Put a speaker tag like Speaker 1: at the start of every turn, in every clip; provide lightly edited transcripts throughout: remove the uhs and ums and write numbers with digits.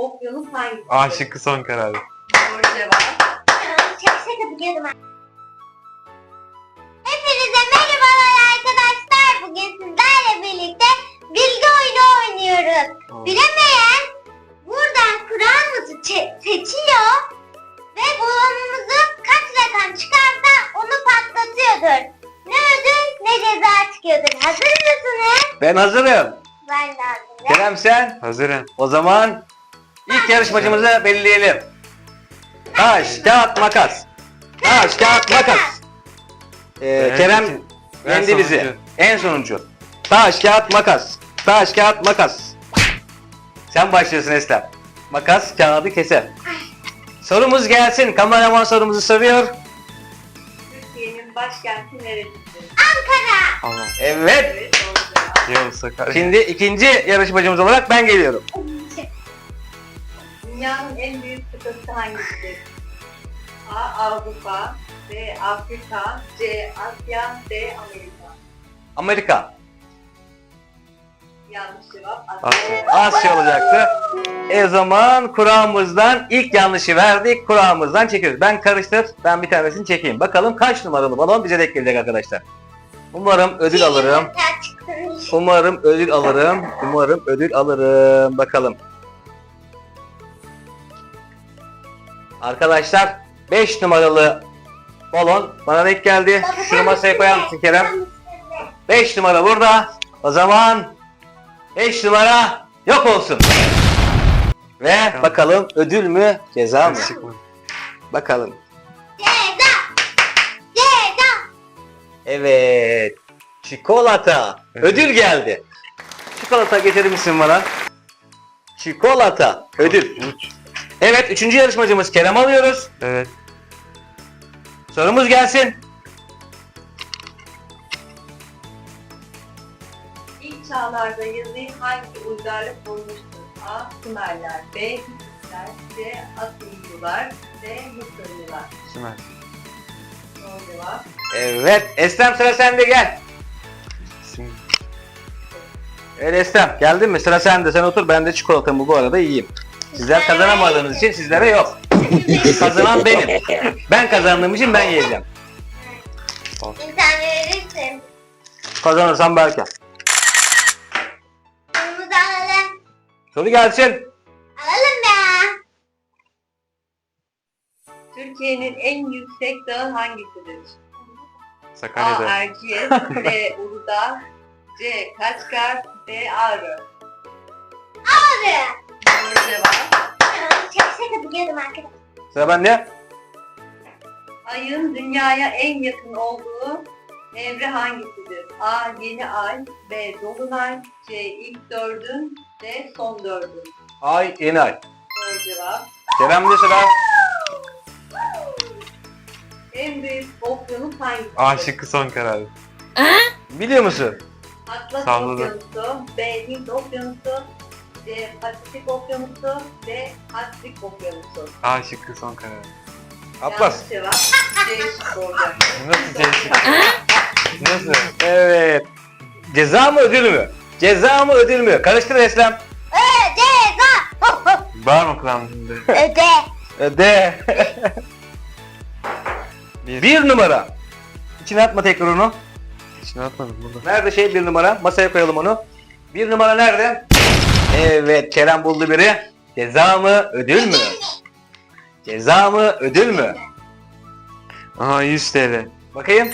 Speaker 1: okyanus hangisidir?
Speaker 2: A şıkkı son karar.
Speaker 1: Doğru cevap.
Speaker 3: Şaka biliyordum ben. Hepinize merhabalar arkadaşlar. Bugün sizlerle birlikte bilgi oyunu oynuyoruz. Bilemeyen buradan Kur'an'ımızı seçiyor ve balonumuzu kaç rakam çıkarsa onu patlatıyordur. Ne ödül ne ceza çıkıyordur. Hazır mısınız?
Speaker 4: Ben hazırım.
Speaker 3: Ben de hazırım.
Speaker 4: Kerem sen?
Speaker 2: Hazırım.
Speaker 4: O zaman ilk yarışmacımızı belirleyelim. Taş, kağıt, makas. Taş, kağıt, makas. Kerem
Speaker 2: Ben
Speaker 4: yendi bizi.
Speaker 2: sonuncu.
Speaker 4: En sonuncu. Taş, kağıt, makas. Taş, kağıt, makas. Sen başlıyorsun Eslem. Makas, kağıdı keser. Sorumuz gelsin. Kameraman sorumuzu soruyor.
Speaker 1: Türkiye'nin başkenti neresidir?
Speaker 3: Ankara.
Speaker 2: Allah.
Speaker 4: Evet.
Speaker 1: Evet, doğru cevap.
Speaker 2: Yavuz Sakarya.
Speaker 4: Şimdi ikinci yarışmacımız olarak ben geliyorum.
Speaker 1: Dünyanın en büyük kıtası hangisidir? A. Avrupa, B. Afrika, C. Asya, D. Amerika.
Speaker 4: Amerika.
Speaker 1: Yanlış cevap
Speaker 2: Asya.
Speaker 4: Asya olacaktı. O zaman Kur'an'ımızdan ilk yanlışı verdik. Kur'an'ımızdan çekiyoruz. Ben karıştır. Ben bir tanesini çekeyim. Bakalım kaç numaralı balon bize denk gelecek arkadaşlar. Umarım ödül alırım. Umarım ödül alırım. Umarım ödül alırım. Bakalım. Arkadaşlar 5 numaralı balon bana denk geldi. Şunu masaya koyar mısın Kerem? 5 numara burada. O zaman 5 numara yok olsun. Ve bakalım ödül mü ceza mı?
Speaker 2: Çıkmadı.
Speaker 4: Bakalım.
Speaker 3: Ceza. Ceza.
Speaker 4: Evet. Çikolata.
Speaker 2: Evet.
Speaker 4: Ödül geldi. Çikolata getirir misin bana? Çikolata. Ödül. Evet, üçüncü yarışmacımız Kerem alıyoruz.
Speaker 2: Evet.
Speaker 4: Sorumuz gelsin.
Speaker 1: İlk çağlarda yazıyı hangi uygarlık bulmuştur? A. Sümerler, B. Hititler, C. Asyalılar, D. Mısırlılar.
Speaker 2: Sümer.
Speaker 1: Doğru cevap.
Speaker 4: Evet, Eslem sıra sende gel.
Speaker 2: Şimdi.
Speaker 4: Evet Eslem, geldin mi? Sıra sende. Sen otur, ben de çikolatamı bu arada yiyeyim. Sizler kazanamadığınız için sizlere yok. Kazanan benim. Ben kazandığım için ben yiyeceğim.
Speaker 3: Bir tane verirsin.
Speaker 4: Kazanırsam belki.
Speaker 3: Kırmızı alalım.
Speaker 4: Soru gelsin.
Speaker 3: Alalım be.
Speaker 1: Türkiye'nin en yüksek dağı hangisidir? A.
Speaker 2: Sakarya'da.
Speaker 1: Erciyes, B. Uludağ, C. Kaçkar, D. Ağrı.
Speaker 3: Abi.
Speaker 1: Doğru cevap.
Speaker 3: Şaka biliyordum arkadaşlar.
Speaker 4: Sıra bende.
Speaker 1: Ayın dünyaya en yakın olduğu evre hangisidir? A. Yeni ay, B. Dolunay, C. İlk dördün, D. Son dördün.
Speaker 4: Ay, yeni ay.
Speaker 1: Doğru cevap.
Speaker 4: Kerem'de sıra.
Speaker 1: En büyük okyanus hangisidir?
Speaker 2: A şıkkı son karar.
Speaker 4: Biliyor musun?
Speaker 1: Atlas
Speaker 2: Salladı.
Speaker 1: Okyanusu, B. Hint Okyanusu, C. Pasifik Okyanusu, D. Atlantik Okyanusu.
Speaker 2: A şıkkı son karar.
Speaker 4: Atlas.
Speaker 1: Yanlış cevap. C şıkkı olacak.
Speaker 2: Nasıl C şıkkı? Nasıl?
Speaker 4: Evet. Ceza mı ödül mü? Ceza mı ödül mü? Karıştır Eslem.
Speaker 3: Ceza.
Speaker 2: Var mı kulağımda?
Speaker 3: Öde.
Speaker 4: De.
Speaker 2: Bir.
Speaker 4: Bir numara. İçine atma tekrar onu.
Speaker 2: İçine atmadım burada.
Speaker 4: Nerede bir numara? Masaya koyalım onu. Bir numara nerede? Evet, Kerem buldu biri. Ceza mı ödül mü? Ceza mı ödül mü?
Speaker 2: Aha 100 TL.
Speaker 4: Bakayım.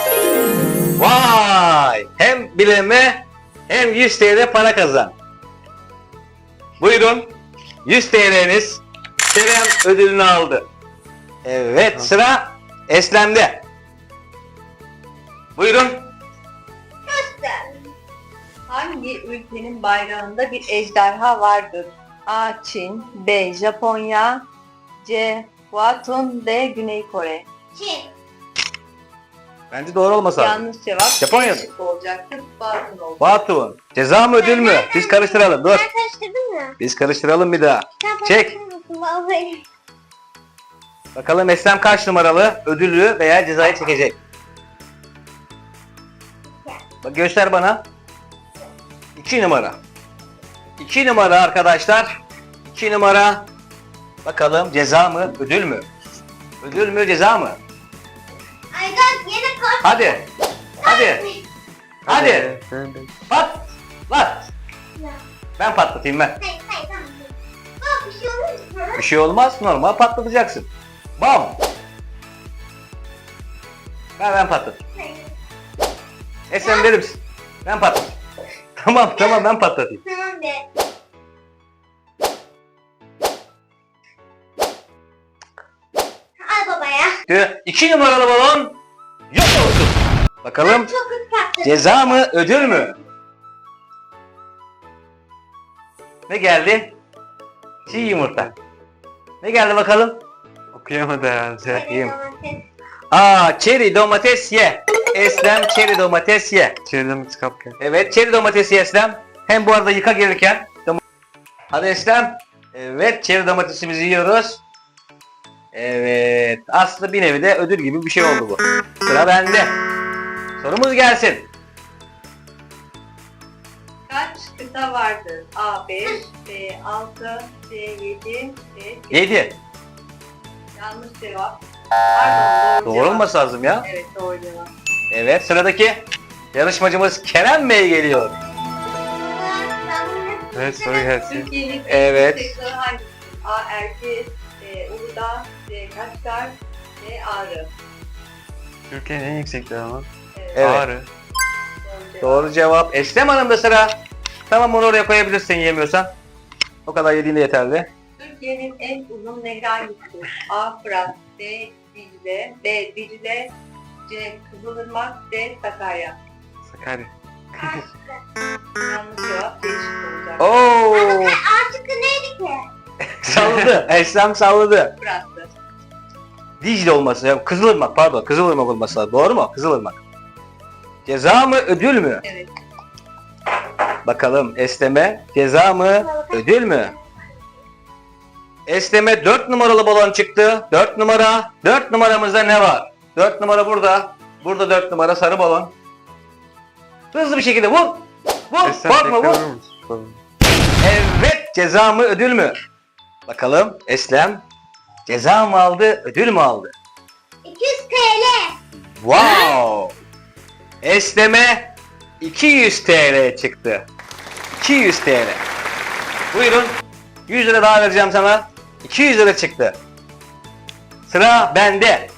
Speaker 4: Vay! Hem bileme hem 100 TL para kazan. Buyurun. 100 TL'niz. Kerem ödülünü aldı. Evet, sıra Eslem'de. Buyurun.
Speaker 1: Hangi ülkenin bayrağında bir ejderha vardır? A. Çin, B. Japonya, C. Huatun, D. Güney Kore.
Speaker 3: Çin.
Speaker 4: Bence doğru olmasa.
Speaker 1: Yanlış cevap.
Speaker 4: Japonya
Speaker 1: C şıkkı olacaktı. Batın oldu.
Speaker 4: Batu. Ceza mı ödül mü? Biz karıştıralım. Dur.
Speaker 3: Sen karıştırdın mı?
Speaker 4: Biz karıştıralım bir daha.
Speaker 3: Sen
Speaker 4: Çek.
Speaker 3: karıştırır mısın vallahi?
Speaker 4: Bakalım Eslem kaç numaralı ödülü veya cezayı çekecek. Bak göster bana. 2 numara. 2 numara arkadaşlar. 2 numara. Bakalım ceza mı, ödül mü? Ödül mü, ceza mı?
Speaker 3: Aydan yine kart.
Speaker 4: Hadi. Hadi. Hadi. Patlat. Ben patlatayım ben.
Speaker 3: Hayır hayır tamam. Baba bir şey olur mu?
Speaker 4: Bir şey olmaz, normal patlatacaksın. Bam. Ben patlatayım.
Speaker 3: Hayır.
Speaker 4: Sen verir misin? Ben patlatayım. Tamam ben patlatayım.
Speaker 3: Tamam de. Al babaya.
Speaker 4: 2 numaralı balon yok olsun. Bakalım
Speaker 3: Çok hızlı patladı.
Speaker 4: ceza mı, ödül mü? Ne geldi? Çiğ yumurta. Ne geldi bakalım?
Speaker 2: Okuyamadı herhalde.
Speaker 4: Yiyeyim. Çeri domates ye. Eslem çeri domates ye.
Speaker 2: Çevremiz kapken.
Speaker 4: Evet, çeri domates ye Eslem. Hem bu arada yıka gelirken. Hadi Eslem. Evet, çeri domatesimizi yiyoruz. Evet, aslında bir nevi de ödül gibi bir şey oldu bu. Sıra bende. Sorumuz gelsin.
Speaker 1: Kaç kıta vardır? A 5, B 6, C 7, D 8.
Speaker 4: 7.
Speaker 1: Yanlış cevap. Pardon, doğru
Speaker 4: Doğru
Speaker 1: cevap.
Speaker 4: olması lazım ya.
Speaker 1: Evet, doğru cevap.
Speaker 4: Evet, sıradaki yarışmacımız Kerem Bey geliyor.
Speaker 2: Evet soru gelsin.
Speaker 1: Türkiye'nin
Speaker 4: Evet.
Speaker 1: en yüksek dağı hangisi? A Erciyes, B Uludağ, C Kaçkar, D Ağrı.
Speaker 2: Türkiye'nin en yüksek dağı mı?
Speaker 4: Evet.
Speaker 2: Ağrı.
Speaker 1: Doğru cevap.
Speaker 4: Doğru cevap. Eslem Hanım da sıra. Tamam, onu oraya koyabilirsin yemiyorsan. O kadar yediğinde yeterli.
Speaker 1: Türkiye'nin en uzun nehri hangisidir? A Fırat, B Dicle, B Dicle, C Kızılırmak, D Sakarya.
Speaker 2: Sakarya.
Speaker 1: Yanlış cevap D şıkkı olacak.
Speaker 4: Oo!
Speaker 3: Artık neydi ki?
Speaker 4: Salladı. Eslem salladı.
Speaker 1: Fırat'tı.
Speaker 4: Dicle olması. Ya, Kızılırmak pardon. Kızılırmak olması lazım. Doğru mu? Kızılırmak. Ceza mı, ödül mü?
Speaker 1: Evet.
Speaker 4: Bakalım Eslem'e ceza mı, ödül mü? Eslem'e 4 numaralı balon çıktı. 4 numara. 4 numaramızda ne var? 4 numara burada. Burada 4 numara sarı balon. Hızlı bir şekilde vur. Vur.
Speaker 2: Eslem
Speaker 4: Korkma
Speaker 2: tekrar
Speaker 4: vur.
Speaker 2: vurur musun? Sorun.
Speaker 4: Evet, ceza mı, ödül mü? Bakalım Eslem ceza mı aldı, ödül mü aldı?
Speaker 3: 200 TL.
Speaker 4: Wow! Eslem'e 200 TL çıktı. 200 TL. Buyurun. 100 lira daha vereceğim sana. 200 lira çıktı. Sıra bende.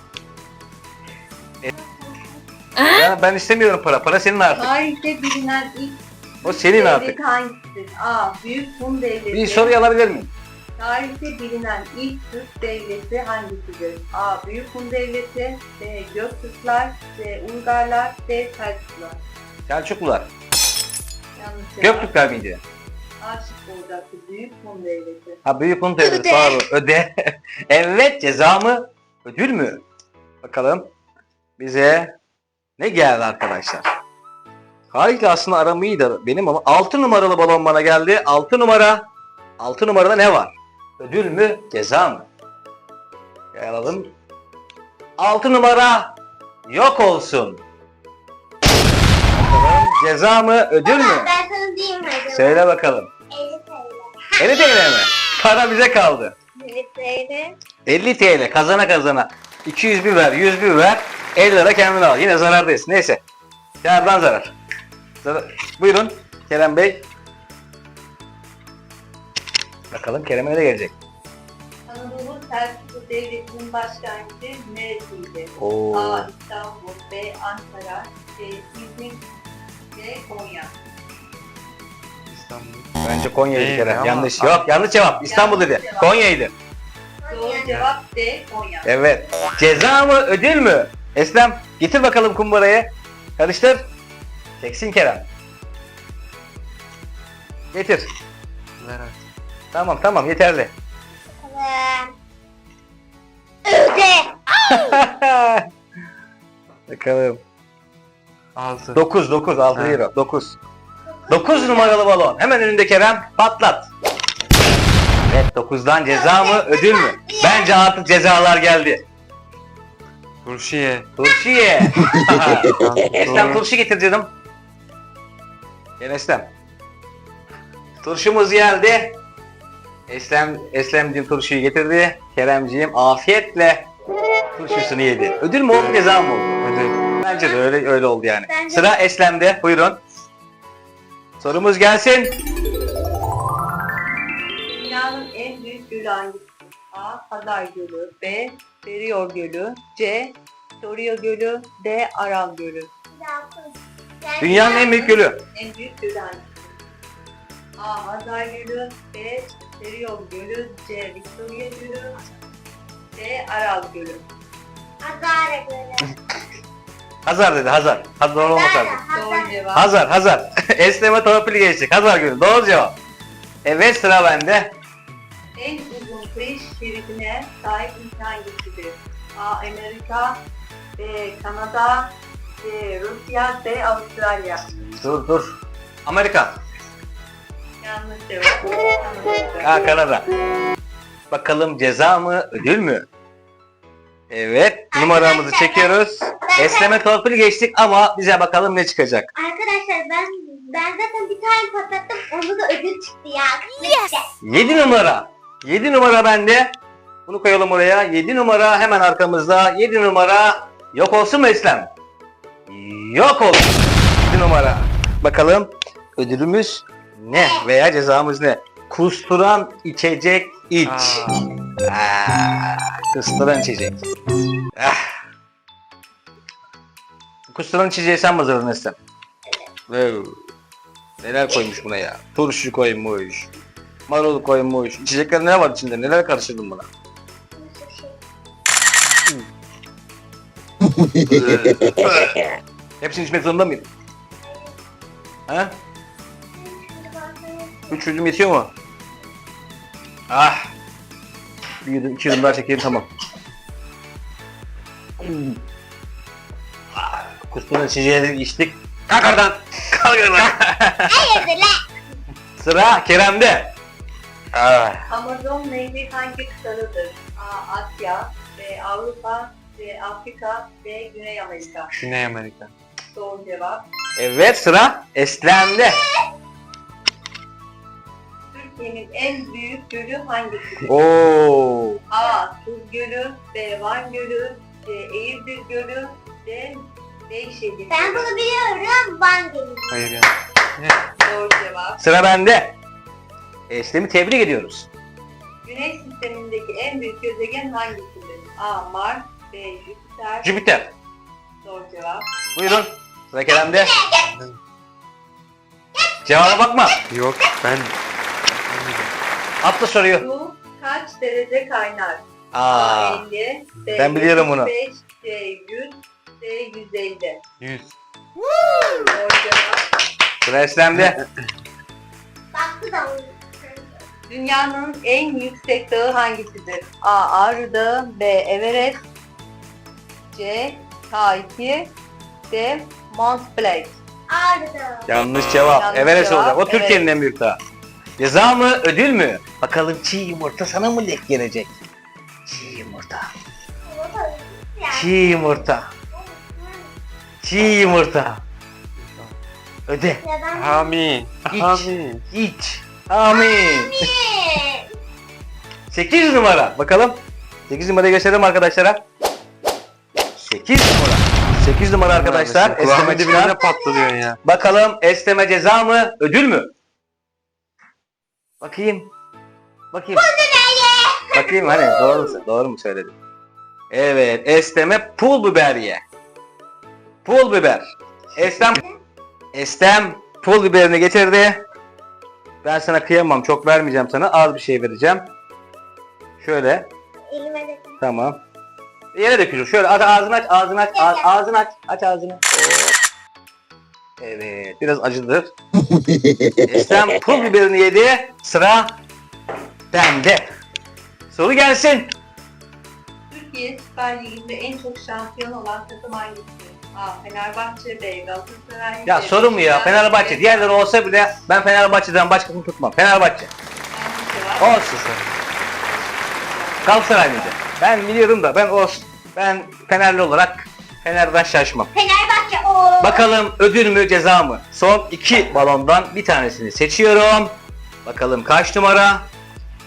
Speaker 4: Ben istemiyorum para. Para senin artık.
Speaker 1: Tarihte bilinen ilk
Speaker 4: O senin artık.
Speaker 1: devlet hangisidir? A. Büyük Hun Devleti.
Speaker 4: Bir soruyu alabilir miyim?
Speaker 1: Tarihte bilinen ilk Türk devleti hangisidir? A. Büyük Hun Devleti, B. Göktürkler, C. Uygarlar, D. Selçuklular.
Speaker 4: Selçuklular.
Speaker 1: Yanlış cevap.
Speaker 4: Göktürkler miydi?
Speaker 1: A şıkkı olacaktı. Büyük Hun Devleti.
Speaker 4: Ha, büyük Hun devleti.
Speaker 3: Öde.
Speaker 4: Pardon. Öde. Evet, ceza mı? Ödül mü? Bakalım bize ne geldi arkadaşlar? Haydi aslında aram iyiydi benim ama 6 numaralı balon bana geldi. 6 numara. 6 numarada ne var? Ödül mü? Ceza mı? Gel alalım. 6 numara yok olsun. Bakalım ceza mı? Ödül mü?
Speaker 3: Baba ben sana diyeyim hadi.
Speaker 4: Söyle bakalım.
Speaker 3: 50 TL.
Speaker 4: 50 TL mi? Para bize kaldı.
Speaker 3: 50 TL.
Speaker 4: 50 TL kazana kazana. 200 bir ver, 100 bir ver. 50 lira kendine al. Yine zarardayız. Neyse. Kârdan zarar. Buyurun Kerem Bey. Bakalım Kerem'e ne gelecek?
Speaker 1: Anadolu Selçuklu Devleti'nin başkenti neresiydi?
Speaker 4: Oo.
Speaker 1: A. İstanbul, B. Ankara, C. İzmir, D. Konya.
Speaker 2: İstanbul.
Speaker 4: Bence Konya'ydı
Speaker 2: Değil
Speaker 4: Kerem.
Speaker 2: ama-
Speaker 4: Yanlış. Yok, yanlış cevap. İstanbul dedi.
Speaker 1: Yanlış cevap.
Speaker 4: Konya'ydı.
Speaker 1: Doğru cevap D. Konya.
Speaker 4: Evet. Ceza mı, ödül mü? Eslem, getir bakalım kumbarayı. Karıştır. Çeksin Kerem. Getir.
Speaker 2: Ver artık.
Speaker 4: Tamam, yeterli.
Speaker 3: Bakalım. Öde.
Speaker 4: Bakalım.
Speaker 2: 6.
Speaker 4: 9, 6
Speaker 2: Ha.
Speaker 4: euro. 9. 9 numaralı balon. Hemen önünde Kerem. Patlat. Evet, 9'dan ceza mı, ödül mü? Bence artık cezalar geldi.
Speaker 2: Turşu ye.
Speaker 4: Turşu ye. Eslem
Speaker 2: Doğru.
Speaker 4: turşu getir canım. Gel Eslem. Turşumuz geldi. Eslemciğim turşuyu getirdi. Keremciğim afiyetle turşusunu yedi. Ödül mü oldu, ceza mı oldu?
Speaker 2: Ödül.
Speaker 4: Bence de öyle oldu yani.
Speaker 3: Bence
Speaker 4: Sıra Eslem'de. Buyurun. Sorumuz gelsin.
Speaker 1: Dünyanın en büyük gölü hangisi? A. Hazar Gölü. B. Seriyor Gölü. C. Victoria Gölü. D. Aral Gölü.
Speaker 4: Dünyanın en büyük gölü.
Speaker 1: En büyük gölü hangisi? A. Hazar Gölü. B. Seriyor Gölü. C. Victoria Gölü. D. Aral Gölü.
Speaker 3: Azara göre.
Speaker 4: Hazar dedi, Hazar. Hazar doğru olmasa.
Speaker 1: Doğru cevap.
Speaker 4: Hazar. Esleme torpili geçtik. Hazar gölü. Doğru cevap. Evet, sıra bende.
Speaker 1: En uzun kıyı şeridine sahip ülke hangisidir? A. Amerika. B. Kanada. C. Rusya. D. Avustralya.
Speaker 4: Dur. Amerika.
Speaker 1: Yanlış cevap.
Speaker 4: Ha, Kanada. Bakalım ceza mı, ödül mü? Evet, numaramızı çekiyoruz. Esleme torpili geçtik ama bize bakalım ne çıkacak.
Speaker 3: Arkadaşlar ben zaten bir tane patlattım. Onu da ödül çıktı ya. Yes.
Speaker 4: 7 numara. 7 numara bende. Bunu koyalım oraya. 7 numara hemen arkamızda. 7 numara yok olsun mu Eslem? Yok olsun. 7 numara. Bakalım ödülümüz ne veya cezamız ne? Kusturan içecek iç. Kusturan içecek. Kusturan içeceği sen mi hazırladın Eslem? Evet. Neler koymuş buna ya? Turşu koymuş. Marul koymuş. İçecekler ne var içinde? Neler karıştırdın buna? Hepsini içmek zorunda mıyım? Ha? 3 yudum yetiyor mu? Ah! Bir yudum, 2 yudum daha çekeyim, tamam. Kusturan içeceği içtik. Kalk oradan! Kalk oradan!
Speaker 3: Hayırdır lan?
Speaker 4: Sıra Kerem'de.
Speaker 1: Amazon Nehri hangi kıtadadır? A. Asya. B. Avrupa. C. Afrika. D. Güney Amerika.
Speaker 2: Güney Amerika.
Speaker 1: Doğru cevap.
Speaker 4: Evet, sıra Eslem'de.
Speaker 1: Türkiye'nin en büyük gölü hangisidir?
Speaker 4: Oo.
Speaker 1: A. Tuz Gölü. B. Van Gölü. C. Eğirdir Gölü. D. Beyşehir
Speaker 3: Ben
Speaker 1: Gölü.
Speaker 3: bunu biliyorum. Van Gölü.
Speaker 2: Hayır ya.
Speaker 1: Doğru cevap.
Speaker 4: Sıra bende. Eslem'i tebrik ediyoruz.
Speaker 1: Güneş sistemindeki en büyük gezegen hangisidir? A. Mars. B. Jüpiter.
Speaker 4: Jüpiter.
Speaker 1: Doğru cevap.
Speaker 4: Buyurun. Sıra Kerem'de. Cevaba bakma.
Speaker 2: Yok ben.
Speaker 4: Atla soruyor.
Speaker 1: Su kaç derece kaynar?
Speaker 4: Aa.
Speaker 1: 50. B.
Speaker 4: ben biliyorum bunu.
Speaker 1: 75, C. 100. D. 150.
Speaker 2: 100.
Speaker 1: Doğru cevap.
Speaker 4: Sıra Eslem'de.
Speaker 3: Baktı da onu.
Speaker 1: Dünyanın en yüksek dağı hangisidir? A. Ağrı Dağı. B. Everest. C. K2. D. Mont Blanc.
Speaker 3: Ağrıdı.
Speaker 4: Yanlış cevap.
Speaker 1: Yanlış
Speaker 4: Everest
Speaker 1: cevap,
Speaker 4: olacak. O Türkiye'nin
Speaker 1: evet.
Speaker 4: en büyük dağı. Ceza mı, ödül mü? Bakalım çiğ yumurta sana mı denk gelecek? Çiğ yumurta. Çiğ yumurta. Çiğ yumurta. Öde.
Speaker 2: Amin.
Speaker 4: İç.
Speaker 2: Amin.
Speaker 4: İç. Amin. 8 numara. Bakalım. 8 numarayı gösterelim arkadaşlara. 8 numara. 8 numara arkadaşlar. Esneme
Speaker 2: Kulağımın dibine
Speaker 4: ceza.
Speaker 2: ne patlıyor ya.
Speaker 4: Bakalım esneme ceza mı, ödül mü? Bakayım. Bakayım. Bakayım hani doğru mu söyledim? Evet, esneme pul biber ye. Pul biber. Estem pul biberini getirdi. Ben sana kıyamam, çok vermeyeceğim sana. Az bir şey vereceğim. Şöyle,
Speaker 3: Elime de.
Speaker 4: tamam. Yere dökülür. Şöyle ağzını aç, ağzını aç, ağzını aç, aç ağzını. Hop. Evet, biraz acıdır. Estem pul biberini yedi. Sıra bende. Soru gelsin.
Speaker 1: Türkiye Süper Ligi'nde en çok şampiyon olan takım hangisidir? A. Fenerbahçe. B. Galatasaray.
Speaker 4: Ya
Speaker 1: C.
Speaker 4: soru mu ya?
Speaker 1: Beşiktaş,
Speaker 4: Fenerbahçe.
Speaker 1: D.
Speaker 4: Diğerleri olsa bile ben Fenerbahçe'den başkasını tutmam. Fenerbahçe.
Speaker 1: Yanlış cevap.
Speaker 4: Olsun. Galatasaray mıydı? Ben biliyorum da ben olsun. Ben Fenerli olarak Fener'den şaşmam.
Speaker 3: Fenerbahçe o.
Speaker 4: Bakalım ödül mü ceza mı? Son 2 balondan bir tanesini seçiyorum. Bakalım kaç numara?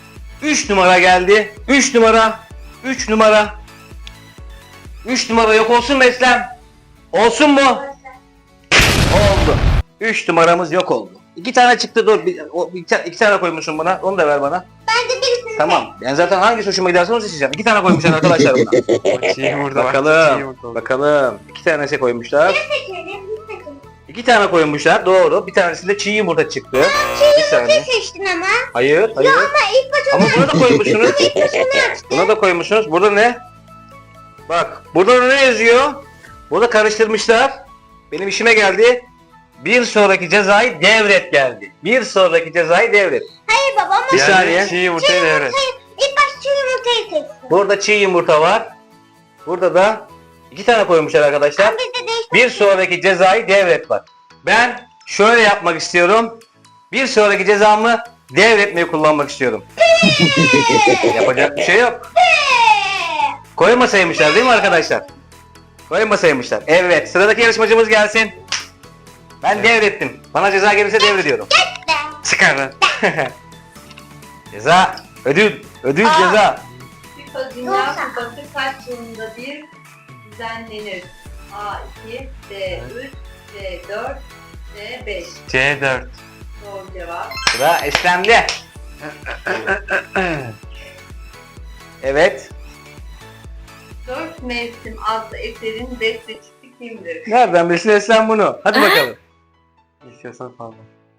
Speaker 4: 3 numara geldi. 3 numara. 3 numara. 3 numara yok olsun mu Eslem? Olsun mu? Oldu. 3 numaramız yok oldu. 2 tane çıktı, dur. İki tane koymuşsun buna. Onu da ver bana.
Speaker 3: Ben de birisini
Speaker 4: Tamam. Ben zaten hangi hoşuma giderse onu seçeceğim. 2 tane koymuşlar arkadaşlar buna.
Speaker 2: O çiğ yumurta var. Çiğ
Speaker 4: Bakalım.
Speaker 2: yumurta oldu.
Speaker 4: Bakalım. 2 tanesi koymuşlar.
Speaker 3: seçelim. Bir seçelim.
Speaker 4: 2 tane koymuşlar. Doğru. Bir tanesinde çiğ yumurta çıktı. Bir saniye.
Speaker 3: Seçtin ama.
Speaker 4: Hayır. Hayır.
Speaker 3: Ama ilk başta
Speaker 4: Ama buna da koymuşsunuz.
Speaker 3: şunu açtı.
Speaker 4: Buna da koymuşsunuz. Burada ne? Bak. Burada ne yazıyor? Burada karıştırmışlar. Benim işime geldi. Bir sonraki cezayı devret geldi. Bir sonraki cezayı devret.
Speaker 3: Hayır baba ama
Speaker 4: Bir
Speaker 2: Yani
Speaker 4: saniye.
Speaker 2: Çiğ yumurtayı devret.
Speaker 3: ilk başta çiğ yumurtayı seçsin.
Speaker 4: Burada çiğ yumurta var. Burada da 2 tane koymuşlar arkadaşlar.
Speaker 3: Biz de değiştirdik.
Speaker 4: Bir sonraki cezayı devret var. Ben şöyle yapmak istiyorum. Bir sonraki cezamı devretmeyi kullanmak istiyorum. Yapacak bir şey yok. Koymasaymışlar değil mi arkadaşlar? Koymasaymışlar. Evet, sıradaki yarışmacımız gelsin. Ben devrettim. Bana ceza gelirse devrediyorum.
Speaker 2: Çıkar lan.
Speaker 4: Ceza, ödül, ödül
Speaker 1: Aa.
Speaker 4: ceza.
Speaker 1: FIFA Dünya Kupası kaç yılında bir düzenlenir? A2, D3, D4, D5.
Speaker 2: C4.
Speaker 1: Doğru cevap.
Speaker 4: Sıra Eslem'de. Evet.
Speaker 1: 4 Mevsim adlı eserin bestecisi kimdir?
Speaker 4: Nereden bilsin Eslem bunu? Hadi bakalım.
Speaker 2: İstiyorsan fazla.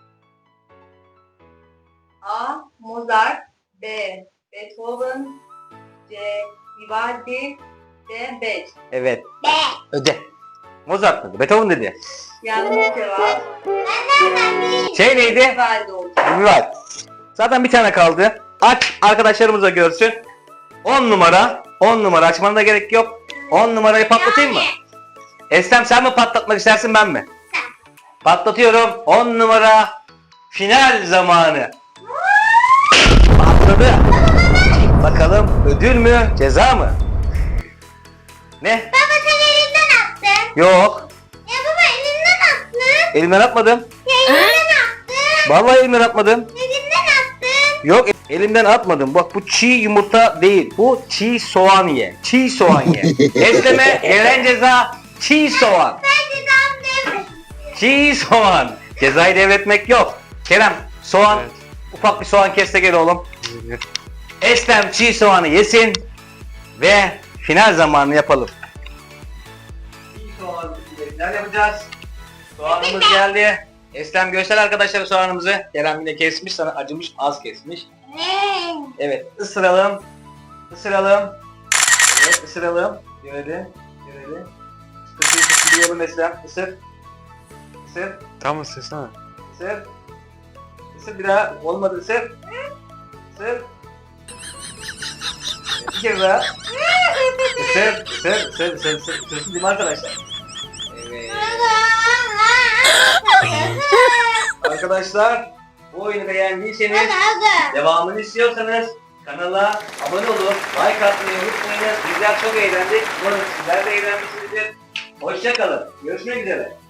Speaker 1: A. Mozart, B. Beethoven, C. Vivaldi, D. Bach.
Speaker 4: Evet.
Speaker 3: Be.
Speaker 4: Öde. Mozart dedi. Beethoven dedi.
Speaker 1: Yanlış cevap.
Speaker 3: Nereden bileyim?
Speaker 4: Şey neydi?
Speaker 1: Vivaldi olacak.
Speaker 4: Vivaldi. Zaten bir tane kaldı. Aç, arkadaşlarımız da görsün. 10 numara. 10 numara açmana da gerek yok. 10 numarayı patlatayım mı? Eslem sen mi patlatmak istersin, ben mi? Patlatıyorum. 10 numara final zamanı. Patladı. Bakalım ödül mü, ceza mı? Ne?
Speaker 3: Baba sen elinden attın.
Speaker 4: Yok.
Speaker 3: Ya baba elinden attın.
Speaker 4: Elimden atmadım.
Speaker 3: Ya elinden attın.
Speaker 4: Vallahi elimden atmadım.
Speaker 3: Elinden attın.
Speaker 4: Yok, elimden atmadım. Bak, bu çiğ yumurta değil. Bu çiğ soğan ye. Çiğ soğan ye. Esleme gelen ceza çiğ soğan.
Speaker 3: Ben cezamı devrettim.
Speaker 4: Çiğ soğan. Cezayı devretmek yok. Kerem, soğan,
Speaker 2: Evet.
Speaker 4: ufak bir soğan kes de gel oğlum. Eslem çiğ soğanı yesin ve final zamanını yapalım. Çiğ soğan final yapacağız. Soğanımız geldi. Eslem göster arkadaşlara soğanımızı. Kerem yine kesmiş, sana acımış, az kesmiş. Evet, ısıralım. Isıralım. Evet, ısıralım. Görelim. Görelim. Isıralım Eslem. Isır. Isır.
Speaker 2: Tam ısırsana.
Speaker 4: Isır. Isır bir daha. Olmadı, ısır. Isır. Bir kere daha. Isır. Isır. Isır. Isır. Isır. Isırsın değil mi arkadaşlar? Evet. Arkadaşlar, bu oyunu beğendiyseniz, devamını istiyorsanız kanala abone olup like atmayı unutmayınız. Bizler çok eğlendik. Umarım sizler de eğlenmişsinizdir. Hoşça kalın. Görüşmek üzere.